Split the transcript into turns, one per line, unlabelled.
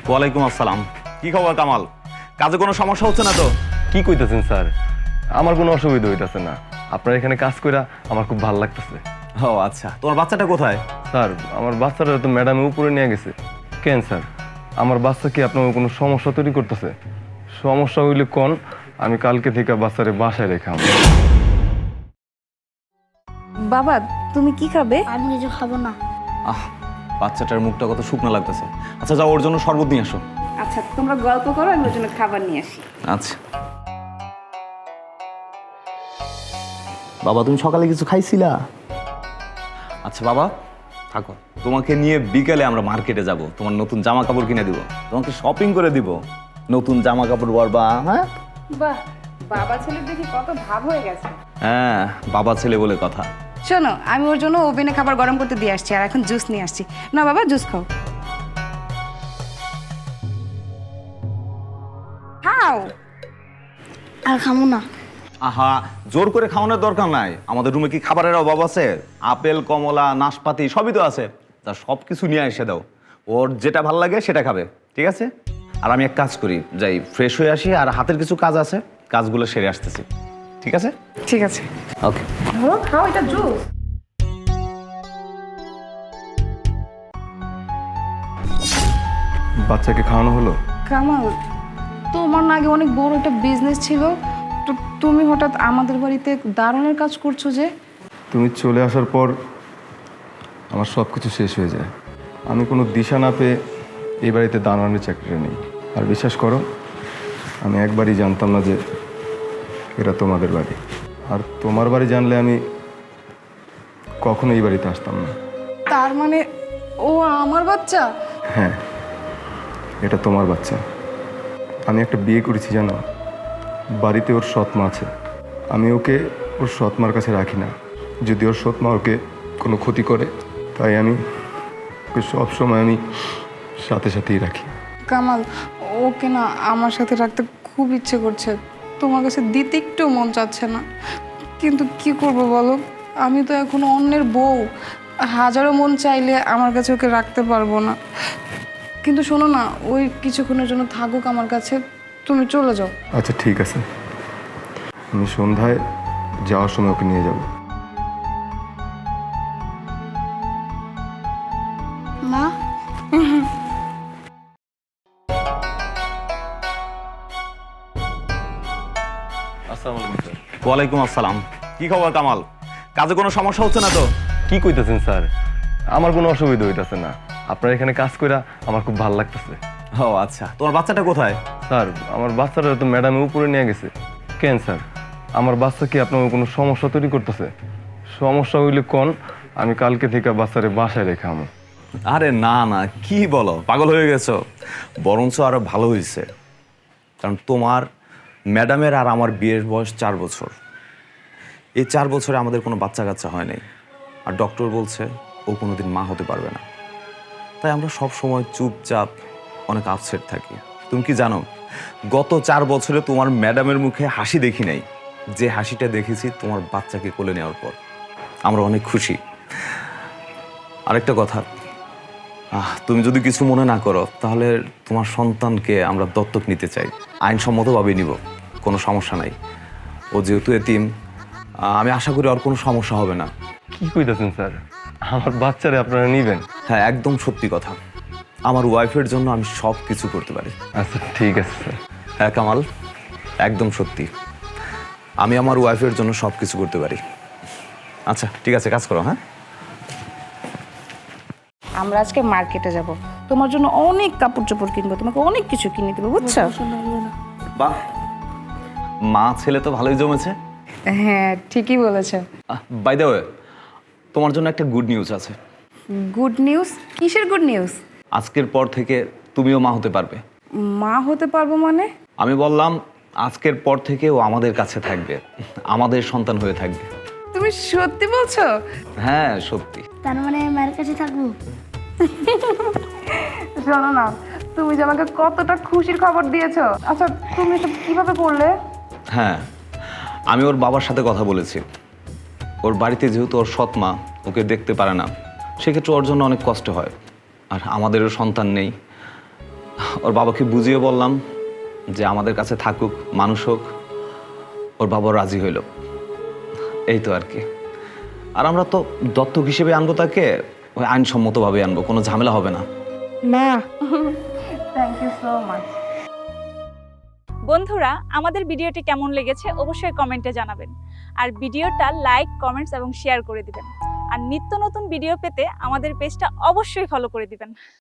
ওয়ালাইকুম আসসালাম। কি খবর কামাল? কাজে কোনো সমস্যা হচ্ছে না তো?
কি কইতেছেন স্যার? আমার কোনো অসুবিধা হইতাছে না। আপনার এখানে কাজ কইরা আমার খুব ভালো লাগতেছে।
ও আচ্ছা, তোমার বাচ্চাটা কোথায়?
স্যার, আমার বাচ্চাটা তো ম্যাডামে উপরে নিয়ে গেছে। কেন স্যার, আমার বাচ্চা কি আপনার কোনো সমস্যা তৈরি করতেছে? সমস্যা হইলে কোন, আমি কালকে থেকে বাচ্চারে বাসায় রেখে আসবো।
বাবা তুমি কি খাবে?
আমি কিছু খাবো না।
আহ, বাচ্চাটার মুখটা কত শুকনো লাগতেছে। আচ্ছা যাও, ওর জন্য শরবত নিয়ে আসো।
আচ্ছা তোমরা গল্প করো, আমি ওর জন্য খাবার নিয়ে আসি।
আচ্ছা বাবা, তুমি সকালে কিছু খাইছিলা? আচ্ছা বাবা থাকো, তোমাকে নিয়ে বিকেলে আমরা মার্কেটে যাব, তোমার নতুন জামা কাপড় কিনে দিব, তোমাকে শপিং করে দিব, নতুন জামা কাপড় পরবা। হ্যাঁ
বাহ, বাবা ছেলের দেখি কত ভাব হয়ে গেছে।
হ্যাঁ, বাবা ছেলে বলে কথা।
শোনো, আমি ওর জন্য ওভেনে খাবার গরম করতে দিয়ে আসছি, আর এখন জুস নিয়ে আসছি। না বাবা, জুস খাও। খাও।
আর খাবো না।
আহা, জোর করে খাওয়ানোর দরকার নাই। আমাদের রুমে কি খাবারের অভাব আছে? আপেল, কমলা, নাশপাতি সবই তো আছে। তা সব কিছু নিয়ে এসে দাও, ওর যেটা ভালো লাগে সেটা খাবে, ঠিক আছে? আর আমি এক কাজ করি, যাই ফ্রেশ হয়ে আসি, আর হাতের কিছু কাজ আছে, কাজগুলো সেরে আসতেছি, ঠিক আছে?
ঠিক আছে,
ওকে।
ধরো খাও, এটা জুস।
বাচ্চাকে খাওয়ানো হলো?
কামাল, তোমার না আগে অনেক বড় একটা বিজনেস ছিল, তো তুমি হঠাৎ আমাদের বাড়িতে দারুণের কাজ করছো যে?
তুমি চলে আসার পর আমার সব কিছু শেষ হয়ে যায়। আমি কোনো দিশা না পেয়ে এই বাড়িতে দাঁড়ানোর চাকরিটা নেই। আর বিশ্বাস করো, আমি একবারই জানতাম না যে এটা তোমাদের বাড়ি। আর তোমার বাড়ি জানলে আমি কখনো এই বাড়িতে আসতাম না।
তার মানে ও আমার বাচ্চা?
হ্যাঁ, এটা তোমার বাচ্চা। আমি একটা বিয়ে করেছি জানো, বাড়িতে ওর সৎমা আছে। আমি ওকে ওর সৎমার কাছে রাখি না, যদি ওর সৎমা ওকে কোনো ক্ষতি করে, তাই আমি ওকে সবসময় আমি সাথে সাথেই রাখি।
কামাল, ওকে না আমার সাথে রাখতে খুব ইচ্ছে করছে, তোমার কাছে দিতে একটু মন চাচ্ছে না, কিন্তু কি করব বলো, আমি তো এখন অন্যের বউ, হাজারো মন চাইলে আমার কাছে ওকে রাখতে পারবো না। কিন্তু শোনো না, ওই কিছুক্ষণের জন্য থাকুক আমার কাছে, তুমি চলে যাও।
আচ্ছা ঠিক আছে, আমি সন্ধ্যায় যাওয়ার সময় ওকে নিয়ে যাব।
মা,
আসসালামু আলাইকুম স্যার।
ওয়ালাইকুম আসসালাম। কি খবর কামাল? কাজে কোনো সমস্যা হচ্ছে না তো?
কি কইতেছেন স্যার? আমার কোনো অসুবিধা হইতাছে না। আপনার এখানে কাজ কইরা আমার খুব ভালো লাগতেছে।
ও আচ্ছা, তোমার বাচ্চাটা কোথায়?
স্যার, আমার বাচ্চাটা তো ম্যাডামে উপরে নিয়ে গেছে। কেন স্যার, আমার বাচ্চা কি আপনার কোনো সমস্যা তৈরি করতেছে? সমস্যা হইলে কোন, আমি কালকে থেকে বাচ্চারে বাসায় রেখে আমো।
আরে না না, কি বলো, পাগল হয়ে গেছো? বরঞ্চ আরো ভালো হয়েছে, কারণ তোমার ম্যাডামের আর আমার বিয়ের বয়স 4 বছর। এই 4 বছরে আমাদের কোনো বাচ্চা কাচ্চা হয় নাই, আর ডক্টর বলছে ও কোনোদিন মা হতে পারবে না। তাই আমরা সব সময় চুপচাপ অনেক আপসেট থাকি। তুমি কি জানো, গত 4 বছরে তোমার ম্যাডামের মুখে হাসি দেখি নাই, যে হাসিটা দেখেছি তোমার বাচ্চাকে কোলে নেওয়ার পর। আমরা অনেক খুশি। আরেকটা কথা, তুমি যদি কিছু মনে না করো, তাহলে তোমার সন্তানকে আমরা দত্তক নিতে চাই, আইনসম্মতভাবে নিব, কোনো সমস্যা নাই। ও যেহেতু এতিম, আমি আশা করি আর কোনো সমস্যা হবে না।
কি কইতেছেন স্যার? আমার বাচ্চারে আপনারা নিবেন?
হ্যাঁ, একদম সত্যি কথা। আমার ওয়াইফের জন্য আমি সব কিছু করতে পারি।
আচ্ছা ঠিক আছে স্যার।
হ্যাঁ কামাল, একদম সত্যি, আমি আমার ওয়াইফের জন্য সব কিছু করতে পারি। আচ্ছা ঠিক আছে, কাজ করো। হ্যাঁ,
আমরা আজকে মার্কেটে যাব, তোমার জন্য অনেক কাপড় চোপড় কিনবো, তোমাকে অনেক কিছু কিনে দেবো, বুঝছো?
বাহ, মা ছেলে তো ভালোই জমেছে।
হ্যাঁ ঠিকই বলেছো।
বাই দ্য ওয়ে, তোমার জন্য একটা গুড নিউজ আছে।
Good news? কিসের গুড নিউজ?
আজকের পর থেকে তুমিও মা হতে পারবে।
মা হতে পারবো মানে?
আমি বললাম আজকের পর থেকে ও আমাদের কাছে থাকবে, আমাদের সন্তান হয়ে থাকবে।
তুমি সত্যি বলছো?
হ্যাঁ সত্যি।
তার মানে মায়ের কাছে থাকবো?
শোনো না, তুমি যে আমাকে কতটা খুশির খবর দিয়েছো, আচ্ছা তুমি এটা কিভাবে করলে?
হ্যাঁ, আমি ওর বাবার সাথে কথা বলেছি। ওর বাড়িতে যেহেতু ওর সৎ মা ওকে দেখতে পারে না, সেক্ষেত্রে ওর জন্য অনেক কষ্ট হয়। আর আমাদেরও সন্তান নেই, ওর বাবাকে বুঝিয়ে বললাম যে আমাদের কাছে থাকুক, মানুষ হোক। ওর বাবা রাজি হইল। এই তো আর কি। আর আমরা তো দত্তক হিসেবে আনবো তাকে, ওই আইনসম্মতভাবে আনবো, কোনো ঝামেলা হবে না।
মা
থ্যাংক ইউ সো মাচ। বন্ধুরা, আমাদের ভিডিওটি কেমন লেগেছে অবশ্যই কমেন্টে জানাবেন। আর ভিডিওটা লাইক, কমেন্টস এবং শেয়ার করে দিবেন। আর নিত্য নতুন ভিডিও পেতে আমাদের পেজটা অবশ্যই ফলো করে দিবেন।